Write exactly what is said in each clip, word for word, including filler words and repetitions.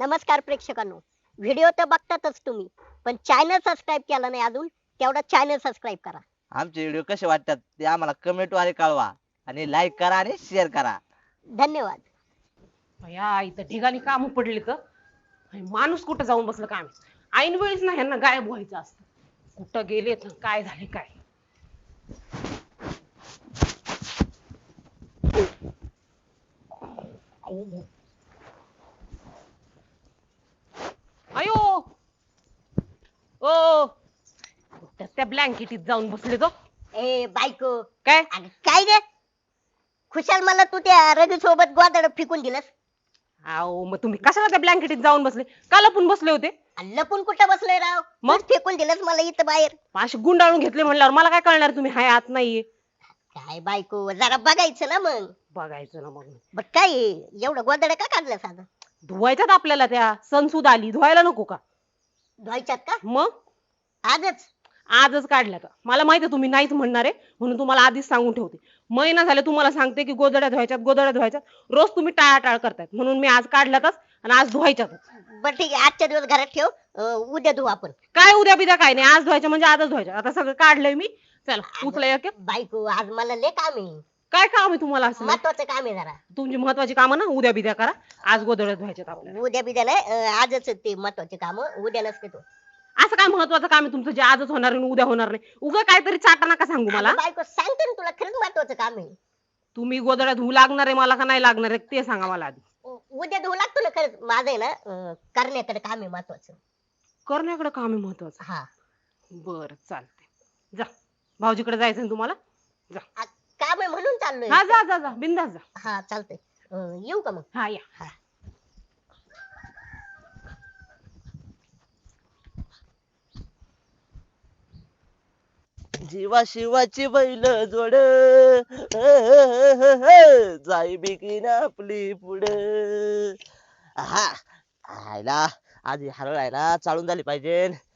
नमस्कार प्रेक्षकांनो. व्हिडिओ तर बघतातच तुम्ही, पण चॅनल सबस्क्राईब केला नाही अजून, तेवढा चॅनल सबस्क्राईब करा. आमचे व्हिडिओ कसे वाटतात ते आम्हाला कमेंट द्वारे कळवा आणि लाईक करा आणि शेअर करा. धन्यवाद. या इथं ठिकाणी काम पडले तर आणि माणूस कुठं जाऊन बसलं काय माहित. ऐन वेळेस ना ह्यांना गायब व्हायचं असतं. कुठं गेले तर काय झाले काय. अयो ओ कुठं त्या ब्लँकेटीत जाऊन बसले तो. ए बायको, काय अगं काय गे, खुशाल मला तू त्या रवी सोबत गोदाड फेकून दिलंस. अहो मग तुम्ही कशाला त्या ब्लँकेटीत जाऊन बसले, का लपून बसले होते. आणि लपून कुठं बसलोय राव, मग? मग फेकून दिलंस मला इथं बाहेर. असे गुंडाळून घेतले म्हणल्यावर मला काय कळणार तुम्ही हाय आत नाहीये. काय बायको, जरा बघायचं ना मग. बघायचं ना मग. बर काय हे, एवढं गोदाड का काढलं साधं? धुवायच्यात आपल्याला, त्या सणसूद आली धुवायला नको का. धुवायच्यात का मग आजच? आजच काढल्या का. मला माहिती तुम्ही नाहीच म्हणणार आहे म्हणून तुम्हाला आधीच सांगून ठेवते. महिना झाले तुम्हाला सांगते की गोदड्या धुवायच्यात गोदड्या धुवायच्यात, रोज तुम्ही टाळाटाळ करतायत म्हणून मी आज काढल्यातच आणि आज धुवायच्यातच. बर ठीक आहे, आजच्या दिवस घरात ठेव, अं, उद्या धुवू आपण. काय उद्या बिद्या काय नाही, आज धुवायच्या म्हणजे आजच धुवायच्या. आता सगळं काढलंय मी, चला उचला एक एक. बायको आज मला लय काम आहे, काय काम आहे तुम्हाला असं. महत्वाचं काम आहे जरा. तुमची महत्वाची कामं ना उद्या बिद्या करा, आज गोदड्या धुवायच्यात आपल्याला. उद्या बिद्या नाही, अं, आजच ते महत्वाचे काम, उद्या नसते तो. असं काय महत्वाचं काम आहे तुमचं जे आजच होणार आणि उद्या होणार नाही. उगा काहीतरी चाटा नका सांगू मला. अगं बायको सांगते ना तुला, खरंच महत्वाचं काम आहे. तुम्ही गोदड्या धुवू लागणार आहे मला का नाही लागणार आहे ते सांगा मला आधी. उ- उद्या धुवू लागतो ना खरंच. माझं आहे ना, अं, करण्याकडे काम आहे महत्वाचं. करण्याकडे काम आहे महत्वाचं. हा बर चालते, जा भाऊजीकडे जायचं ना तुम्हाला. जा आ, काम आहे म्हणून चाललोय. हा जा जा जा बिंदास जा. हा चालतंय. अं, येऊ का मग? हा या. हा. जीवा शिवाची बैल जोड जाई बिकीन आपली पुढ. हा आयला आधी हरळ आहे ना चालून झाली पाहिजे.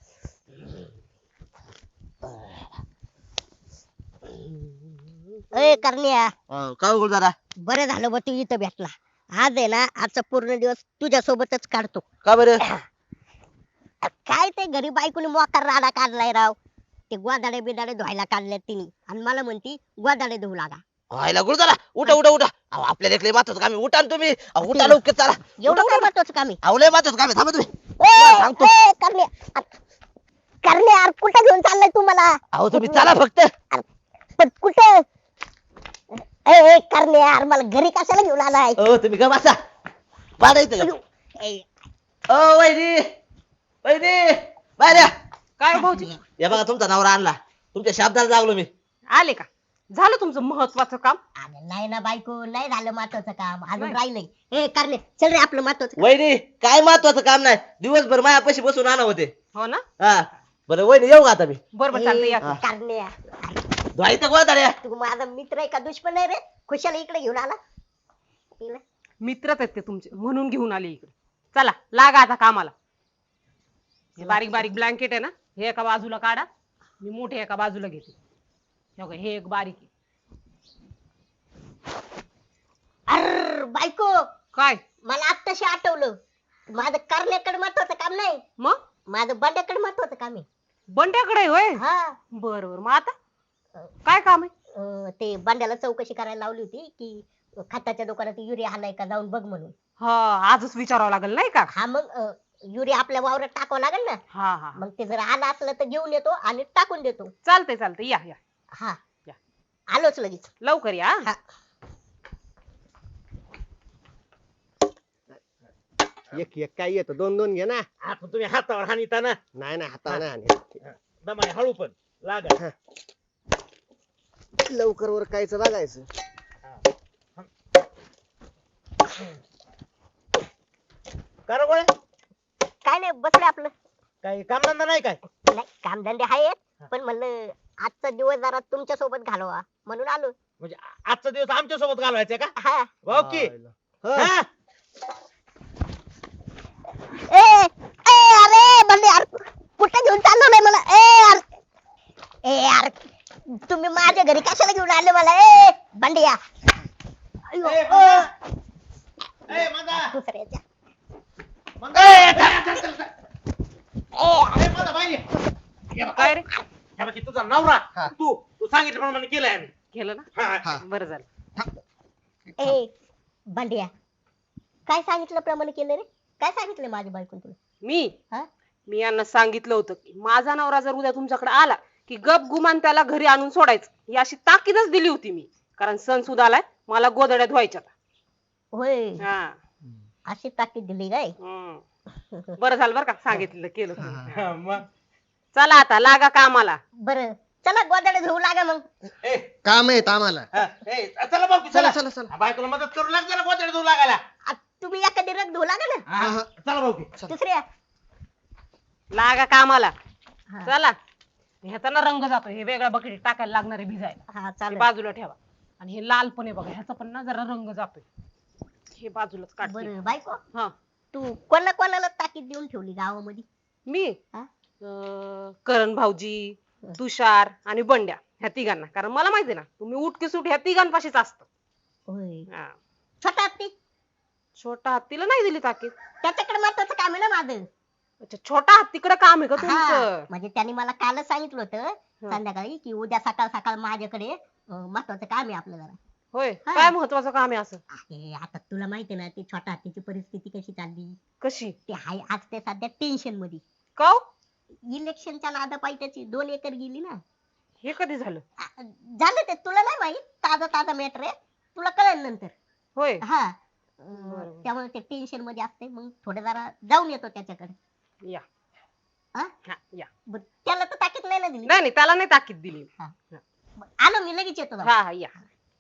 ए करण्या, अं, का हो दादा, बरं झालं बा तू इथं भेटला. आज आहे ना, आजचा पूर्ण दिवस तुझ्या सोबतच काढतो. का बरं. आ, काय ते घरी बायकोने मोकार राडा काढलाय राव. ते गोदाडे बिदाडे धुवायला काढल्यात तिने आणि मला म्हणती गोदाडे धुवू लागा. व्हायला गुरुदारा उठा उठा उठा. अहो आपल्याला एकले महत्वाचं काम आहे, उठा ना तुम्ही. अहो, उठा लवकर चला. एवढं काय महत्वाचं काम आहे? अहो लय महत्वाचं काम आहे, थांबा तुम्ही. ए, सांगतो. ए, करण्या, आ, करण्या यार, कुठं घेऊन चाललाय तू मला? अहो तुम्ही चला फक्त. पण कुठं? ए, ए, करण्या यार, मला घरी कशाला घेऊन आलाय? अहो तुम्ही का बसा पाडायचं का. ए, ओ वैदी वैदी बाहेर या. काय भाऊजी या बघा तुमचा नवरा आणला, तुमच्या शब्दाला लागलो मी. आले का, झालं तुमचं महत्वाचं काम. अरे नाही ना बायको, नाही झालं महत्वाचं काम, अजून नाही. राहिलंय. ए करणे, चल रे आपलं महत्वाचं. वैदी काय महत्वाचं काम नाही, दिवसभर मायापाशी बसून आणा होते. हो ना. हा बरं वैदी येऊ का आता मी. बरोबर चालतंय या. ए, करण्या, धुवायचं गोदाड्या. तू माझा मित्र आहे का दुश्मन आहे रे? खुशाला इकडे घेऊन आला. हिला- मित्रच आहेत ते तुमचे म्हणून घेऊन आले इकडे. चला लागा आता कामाला. हे बारीक बारीक ब्लँकेट आहे ना, हे एका बाजूला काढा, मी मोठे एका बाजूला घेते. हे बघा, हे एक बारीक आहे. अर्र बायको, काय मला आत्ताशी आठवलं, माझं करण्याकडे महत्वाचं काम नाही, मग माझं बंड्याकडे महत्वाचं काम आहे. बंट्याकडे आहे होय. हा, बर बर, मग आता काय काम आहे. अं, ते बंड्याला चौकशी करायला लावली होती की खताच्या दुकानात युरिया आलाय का, जाऊन बघ म्हणून. हा आजच विचारावं लागेल नाही का. हा मग अं, युरिया आपल्या वावरात टाकावं लागेल ना. हा हा मग ते जर आलं असलं तर घेऊन येतो आणि टाकून देतो. चालतंय चालतंय, या या हा या. आलोच लगेच. लवकर या. हा. एक एक काय येतो, दोन दोन घे ना. आपण तुम्ही हातावर हानिता ना. नाही नाही हातावर नाही हाणत. दमाने हळू पण लागा. लवकर वर कायचं बघायचं. कर गोळे, काय नाही, बसले आपलं. काही कामधंदा नाही काय. नाही, कामधंदे आहेत, पण म्हणलं आजचा दिवस जरा तुमच्या सोबत घालवा म्हणून आलो. म्हणजे आ- आजचा दिवस आमच्या सोबत घालवायचा का. हा. ओके. हा. हा. ए ए अरे बंडे यार, कुठे घेऊन चाललो नाही मला. ए यार, ए यार, तुम्ही माझ्या घरी कशाला घेऊन आले मला? ए बंडे या. अयो, ए, ओ. बंड्या. ए, बंड्या. दुसऱ्याच्या. मग- ए, चल, चल, चल, चल. ए, माझा बाई. हे बघ, काय रे हे बघ, तुझा नवरा हा. तू तू सांगितल्याप्रमाणे केलंय आम्ही केलं ना हा, हा. बरं झालं ए बंड्या काय सांगितलं प्रमाणे केलं रे काय सांगितलं माझ्या बायकोन तुला मी हा? मी यांना सांगितलं होतं की माझा नवरा जर उद्या तुमच्याकडे आला की गप गुमान त्याला घरी आणून सोडायचं ही अशी ताकीदच दिली होती मी कारण सण सुद्धा आलाय मला गोदड्यात व्हायच्या होय हा अशी ताकीद दिली काय हम्म. बरं झालं बरं का सांगितलं केलं तुम्ही. हा, मग चला आता लागा कामाला बरं चला गोदाडे धुवू लागा मग ए, काम आहेत आम्हाला हा, ए, चला भाऊ चला चला चला चला बायकोला मदत करू लाग जरा गोत्याला धुवू लागायला आ, तुम्ही एखादी रग धुवू लागा ना हा, हा. चला भाऊ दुसऱ्या लागा कामाला हा. चला ह्याचा ना रंग जातो हे वेगळ्या बकेट टाकायला लागणारे भिजायला हा ते चालेल बाजूला ठेवा आणि हे लाल पण आहे बघा ह्याचा पण ना जरा रंग जातोय हे बाजूलाच काढते बरं बायको हा तू कोणा कोणाला ताकीद देऊन ठेवली गावामध्ये मी हा? अं, करण भाऊजी तुषार आणि बंड्या ह्या तिघांना कारण मला माहिती ना तुम्ही उठकी सुट ह्या तिघांपाशीच असत होय हा. छोटा हत्ती छोटा हत्तीला नाही दिली ताकीद त्याच्याकडे महत्वाचं काम आहे ना माझं अच्छा छोटा हत्तीकडे काम आहे का हा, तुमचं म्हणजे त्यांनी मला कालच सांगितलं होतं संध्याकाळी की उद्या सकाळ सकाळ माझ्याकडे अं, महत्वाचं काम आहे आपलं जरा होय हा. काय महत्वाचं काम आहे असं अरे आता तुला माहिती आहे ना ती छोटा हत्तीची परिस्थिती कशी चालली कशी ते हाय आज ते सध्या टेन्शन मध्ये का हो? इलेक्शनच्या नादापायी त्याची दोन एकर गेली ना हे कधी झालं आ, झालं ते तुला नाही माहित ताजा ताजा मॅटर आहे तुला कळेल नंतर होय हा अं, बरोबर. त्यामुळे ते टेन्शन मध्ये असते मग थोडं जरा जाऊन येतो त्याच्याकडे या हा? हा, या बरं, त्याला तर ताकीद नाही ना दिली नाही नाही त्याला नाही ताकीद दिली बरं, आलो मी लगेच येतो जाऊन. हा हा या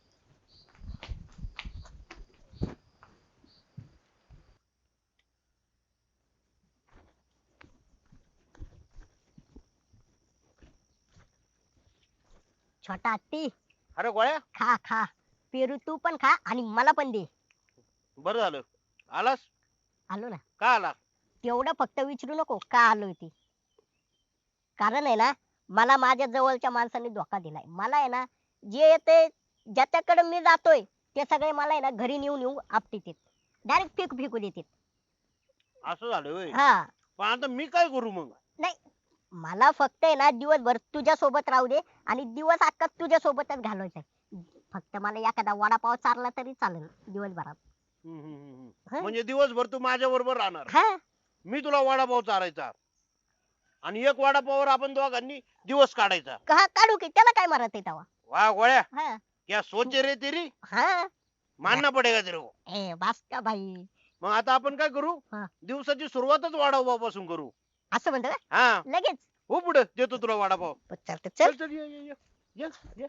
छोटा हत्ती अरे गोळ्या खा खा पेरू तू पण खा आणि मला पण दे बरं झालं आलास आलो ना का आला तेवढं फक्त विचारू नको का आलोय ते कारण आहे ना मला माझ्या जवळच्या माणसाने धोका दिलाय मला आहे ना जे येते ज्याच्याकडे मी जातोय ते सगळे मला आहे ना घरी नेऊन येऊ आपटीत डायरेक्ट फेक फेकू देतात असं झालं होय हा पण आता मी काय करू मग नाही मला फक्त आहे ना दिवसभर तुझ्या सोबत राहू दे आणि दिवस अख्खा तुझ्या सोबतच घालवायचा फक्त मला एखादा वडापाव चारला तरी चालेल दिवसभरात हम्म, हम्म, हम्म. हा? म्हणजे दिवसभर तू माझ्या बरोबर राहणार हा मी तुला वडापाव चारायचा आणि एक वडापावर आपण दोघांनी दिवस काढायचा का काढू की त्याला काय मारत आहे तेव्हा वा गोळ्या हा क्या सोचे रे तेरी हा मानना पडेगा तेरे को ए बास का भाई मग आता आपण काय करू हा. दिवसाची सुरुवातच वडापाव पासून करू असं म्हणतो का हा लगेच हो पुढे देतो तुला वडापाव बरं, चालतं चल चल चल ये ये ये. ये ये.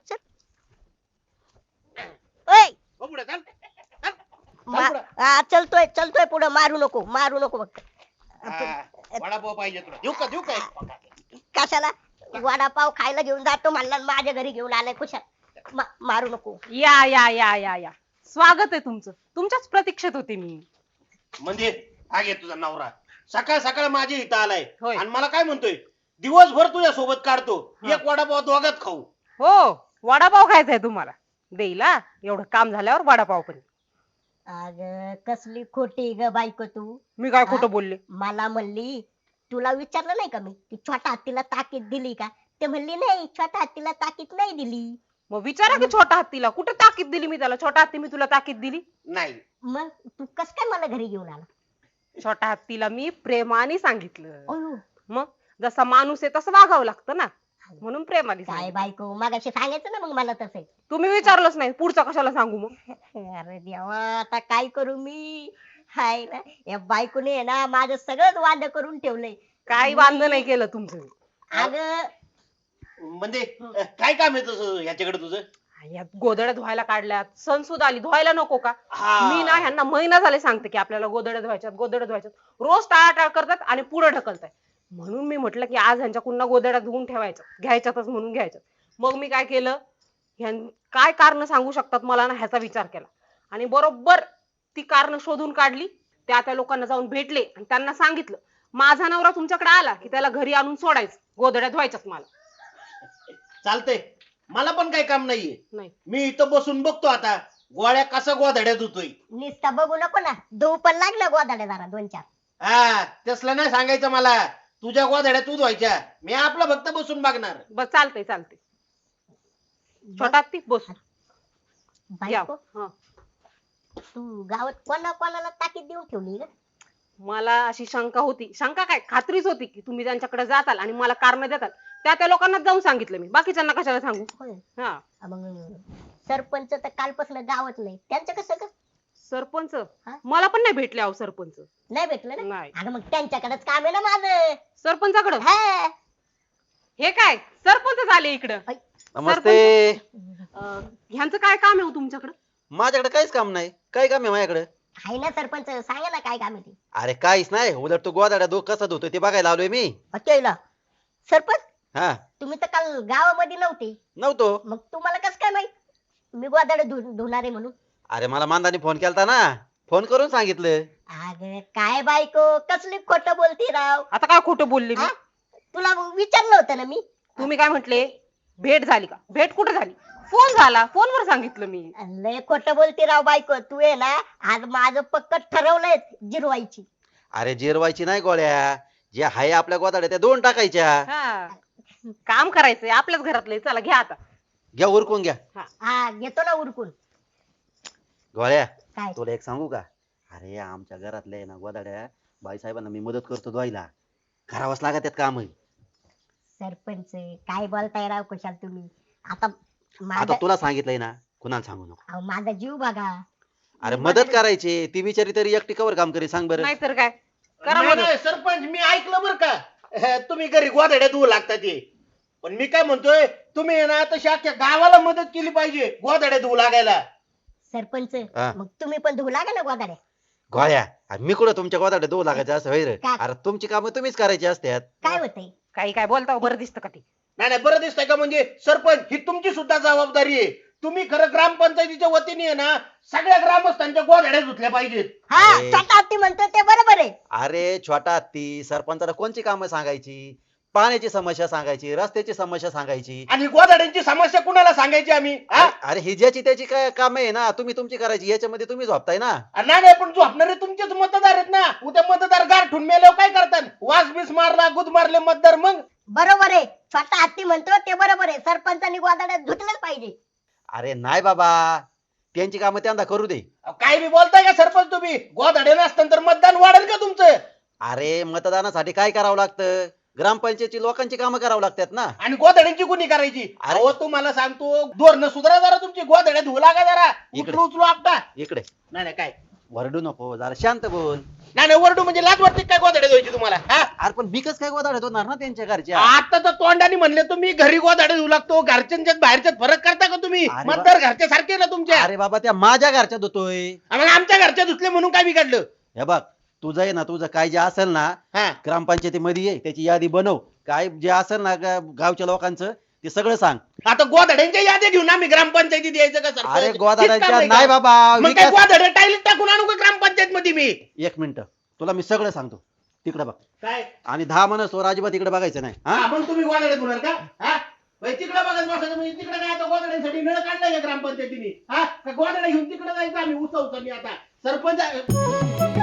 ओय हो पुढे चल मा- पुढं. हा, चलतोय चलतोय पुढे मारू नको मारू नको बघ हा, वडापाव पाहिजे तुला देऊ का देऊ का कशाला वडापाव खायला घेऊन जातो म्हणला आणि माझ्या घरी घेऊन आलाय खुशाल मा- मारू नको या या या या या स्वागत आहे तुमचं तुमच्याच प्रतीक्षेत होते मी म्हणजे हा घे तुझा नवरा सकाळ सकाळ माझ्या इथं आलाय होय. आणि मला काय म्हणतोय दिवसभर तुझ्या सोबत काढतो हा. एक वडापाव दोघात खाऊ हो वडापाव खायचा आहे तुम्हाला देईल हा एवढं काम झाल्यावर वडापाव पण अग कसली खोटी ग बायको तू मी काय हा? खोटं बोलले मला म्हणली तुला विचारलं नाही का मी की छोटा हत्तीला ताकीद दिली का ते म्हणली नाही छोटा हत्तीला ताकीद नाही दिली मग विचारा की छोटा हत्तीला कुठे ताकीद दिली मी त्याला छोटा हत्ती मी तुला ताकीद दिली नाही मग तू कस काय मला घरी घेऊन आला छोटा हत्तीला मी प्रेमाने सांगितलं अयो, मग जसा माणूस आहे तसं वागावं लागतं ना म्हणून प्रेमाने काय सांगितलं. बायको मागाशी सांगायचं ना मग मला तसं तुम्ही विचारलंच नाही पुढचं कशाला सांगू मग अरे देवा आता काय करू मी हाय ना या बायकोने आहे ना माझं सगळंच वाद करून ठेवलंय काही वांद नाही केलं तुमचं अग म्हणजे अं, काय काम आहे तसं याच्याकडे तुझं यात गोदड्या धुवायला काढल्यात सणसूद आली धुवायला नको का हा. मी ना ह्यांना महिना झाले सांगते की आपल्याला गोदड्या धुवायच्यात गोदड्या धुवायच्यात रोज टाळाटाळ करतात आणि पुढे ढकलताय म्हणून मी म्हटलं की आज ह्यांच्या पुन्हा गोदड्या धुवून ठेवायच्या घ्यायच्यातच म्हणून घ्यायच्यात मग मी काय केलं ह्यां काय कारण सांगू शकतात मला ना ह्याचा विचार केला आणि बरोबर ती कारण शोधून काढली त्या त्या लोकांना जाऊन भेटले आणि त्यांना सांगितलं माझा नवरा तुमच्याकडे आला की त्याला घरी आणून सोडायचं गोदड्या धुवायच्यात मला चालतंय मला पण काही काम नाहीये नाही मी इथं बसून बघतो आता गोळ्या कसा गोधड्यात होतोय निस्ता बघू नको ना धुऊ पण लागलं गोदाडे जरा दोन चार हा तसलं नाही सांगायचं मला. तुझ्या गोधड्या तूच व्हायच्या, मी आपलं फक्त बसून बघणार. बस चालतंय चालतंय. छोटा ती बस या. बायको हा. तू गावात कोणा कोणाला ताकीद देऊन ठेवली ग? मला अशी शंका होती, शंका काय खात्रीच होती की तुम्ही त्यांच्याकडे जाताल आणि मला कारण देताल. त्या त्या लोकांना जाऊन सांगितलं मी, बाकीच्यांना कशाला सांगू. होय. हा. मग सरपंच तर कालपासून गावात नाही, त्यांचं कसं ग? सरपंच हा? मला पण नाही भेटले अहो सरपंच. नाही भेटलं ना? नाही. अगं मग त्यांच्याकडेच काम आहे ना माझं. सरपंचाकडं हा. हे काय सरपंच आले इकडं. नमस्ते. अं, ह्यांचं काय काम आहे हो तुमच्याकडं? माझ्याकडे काहीच काम नाही. काय काम आहे माझ्याकडे? आहे ना सरपंच, सांगा ना काय काम आहे ते. अरे काहीच नाही, उलट तो गोदाड्या दो कसा धुतो ते बघायला आलोय मी. केलं सरपंच, हा तुम्ही तर काल गावामध्ये नव्हते, नव्हतो. मग तुम्हाला कसं काय माहित मी गोदाडे धुणार आहे म्हणून? अरे मला मांदाने फोन केलता ना, फोन करून सांगितलं. अगं काय बायको, कसली खोटं बोलती राव. आता काय खोटं बोलले मी? हा? तुला विचारलं होतं ना मी. तुम्ही काय म्हटले? भेट झाली का? भेट कुठे झाली? फोन झाला, फोनवर सांगितलं मी. लय खोटं बोलती राव बायको. तू आहे ना, आज माझं पक्क ठरवलंय जिरवायची. अरे जिरवायची नाही गोळ्या, जे आहे आपल्या गोदाड्या त्या दोन टाकायच्या. हा. काम करायचंय आपल्याच घरातलंय. चला घ्या आता. घ्या उरकून घ्या. हा घेतो ना उरकून. गोळ्या काय? तुला एक सांगू का? अरे आमच्या घरातल्या आहे ना गोदाड्या बाईसाहेबांना मी मदत करतो धुवायला, करावंच लागत त्यात काम. सरपंच काय बोलताय राव कुशाल तुम्ही. आता आता माझा तुला सांगितलंय ना, कुणाला सांगू नको. अहो, माझा जीव बघा. अरे मदत करायची, ती बिचारी तरी एकटी कवर काम करी सांग बरं. नाहीतर काय. करा नाही, मदत. नाही, सरपंच मी ऐकलं बरं का, हे, तुम्ही घरी गोधड्या धुवू लागता ते. पण मी काय म्हणतोय, तुम्ही आहे ना तशी अख्ख्या गावाला मदत केली पाहिजे गोधड्या धुवू लागायला. सरपंच हा. मग तुम्ही पण धुवू लागा ना गोदाड्या. गोळ्या अरे मी कुठं तुमच्या गोदाड्या धुवू लागायचं असं होय रे? का? अरे तुमची कामं तुम्हीच करायची असतात. काय होतंय? काही काय बोलता हो, बरं दिसतं का ते? नाही नाही बरं दिसतंय का? म्हणजे सरपंच ही तुमची सुद्धा जबाबदारी आहे. तुम्ही खरं ग्रामपंचायतीच्या वतीने आहे ना सगळ्या ग्रामस्थांच्या गोधड्या धुतल्या पाहिजेत. हा अरे. छोटा हत्ती म्हणतोय ते बरोबर आहे. अरे छोटा हत्ती सरपंचाला कोणची कामं सांगायची? पाण्याची समस्या सांगायची, रस्त्याची समस्या सांगायची. आणि गोधड्यांची समस्या कुणाला सांगायची आम्ही? हा? अरे अरे ही ज्याची त्याची काय काम आहे ना, तुम्ही तुमची करायची, याच्यामध्ये तुम्ही झोपताय ना. नाही नाही पण झोपणारे तुमचेच मतदार आहेत ना. उद्या मतदार गारठून मेल्यावर काय करतात? वास बीस मारला, गुद मारले मतदार, मग बरोबर आहे. छोटा हत्ती म्हणतो ते बरोबर आहे. सरपंचांनी गोदाड्या धुतलंच पाहिजे. अरे नाही बाबा, त्यांची कामं त्यांना करू दे. अहो, काय बी बोलताय का सरपंच तुम्ही? गोधड्या नसताना तर मतदान वाढेल का तुमचं? अरे मतदानासाठी काय करावं लागतं? ग्रामपंचायतची लोकांची कामं करावं लागतात ना. आणि गोधड्यांची कुणी करायची? अरे. अहो तुम्हाला सांगतो, धोरण सुधारा जरा तुमची, गोधड्या धुवू लागा जरा. इकडे. उचलू उचलू आपटा. इकडे नाही नाही काय वरडू नको, जरा शांत बोल. नाही नाही वरडू म्हणजे लाज वाटते काय गोधड्या धुवायची तुम्हाला? हा? अरे पण बिकच काय गोदाड्या होणार ना त्यांच्या घरच्या. आता तर तोंडाने म्हणले तुम्ही घरी गोधड्या धुवू लागतो, घरच्यांच्यात बाहेरच्यात फरक करता का तुम्ही? अरे बा- मतदार घरच्या सारखे ना तुमच्या. अरे बाबा त्या माझ्या घरच्या धुतोय. मग आमच्या घरच्या धुतले म्हणून काय बिघडलं? हे बघ तुझं आहे ना, तुझं काय जे असेल ना हा ग्रामपंचायतीमध्ये ये, त्याची यादी बनव. काय जे असेल ना गा- गावच्या लोकांचं ते सगळं सांग. आता गोधड्यांच्या याद्या घेऊन आम्ही ग्रामपंचायतीत यायचं का सरपंच? अरे हेच काम गोदाड्यांच्या आहे का? नाही बाबा, मग काय विकास. गोधड्या टाईलीत टाकून आणू का ग्रामपंचायत मध्ये मी? एक मिनिट तुला मी सगळं सांगतो. तिकडे बघ काय आणि दहा मनसोर अजिबात तिकडे बघायचं नाही. हा हा, मग तुम्ही गोधड्या धुणार का? हा? तिकडे बघत बसायचं म्हणजे तिकडे काय आता गोधड्यांसाठी नळ काढलाय का ग्रामपंचायतीने? हा का गोधड्या घेऊन तिकडे जायचं आम्ही उसा उचलली आता सरपंच